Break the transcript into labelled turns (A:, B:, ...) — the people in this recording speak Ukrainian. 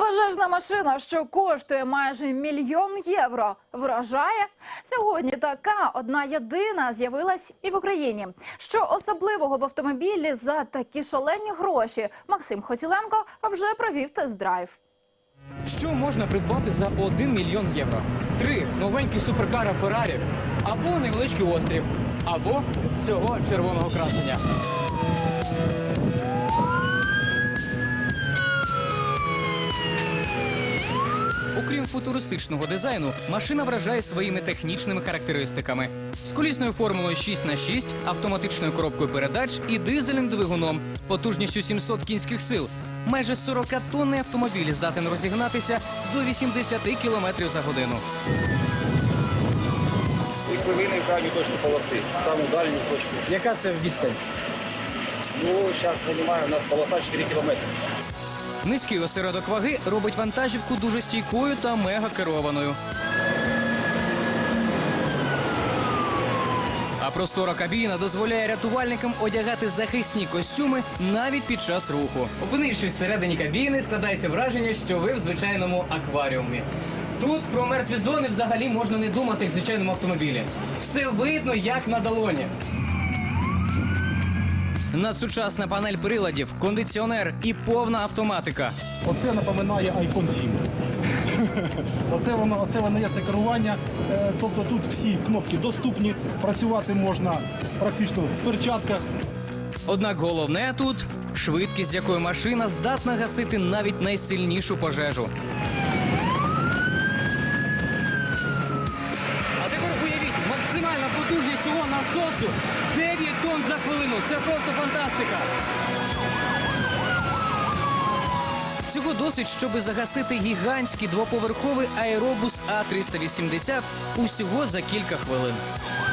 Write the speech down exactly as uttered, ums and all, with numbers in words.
A: Пожежна машина, що коштує майже мільйон євро, вражає? Сьогодні така одна єдина з'явилась і в Україні. Що особливого в автомобілі за такі шалені гроші? Максим Хотіленко вже провів тест-драйв.
B: Що можна придбати за один мільйон євро? Три новенькі суперкара Феррарі, або невеличкий острів, або цього червоного красення. Окрім футуристичного дизайну, машина вражає своїми технічними характеристиками. З колісною формулою шість на шість, автоматичною коробкою передач і дизельним двигуном, потужністю сімсот кінських сил. Майже сорокатонний автомобіль здатен розігнатися до вісімдесяти кілометрів за годину.
C: І повинні в крайню точку полоси, саму дальню точку.
B: Яка це відстань?
C: Ну, зараз займає у нас полоса чотири кілометри.
B: Низький осередок ваги робить вантажівку дуже стійкою та мега-керованою. А простора кабіна дозволяє рятувальникам одягати захисні костюми навіть під час руху. Опинившись всередині кабіни, складається враження, що ви в звичайному акваріумі. Тут про мертві зони взагалі можна не думати, як в звичайному автомобілі. Все видно, як на долоні. Надсучасна панель приладів, кондиціонер і повна автоматика.
D: Оце напоминає айфон сім. Оце воно, оце воно є це керування. Е, Тобто тут всі кнопки доступні, працювати можна практично в перчатках.
B: Однак головне тут – швидкість, з якою машина здатна гасити навіть найсильнішу пожежу. А тепер уявіть, максимальна потужність цього насосу – дев'ять тонн за хвилину. Це просто фантастика. Цього досить, щоб загасити гігантський двоповерховий аеробус А триста вісімдесят усього за кілька хвилин.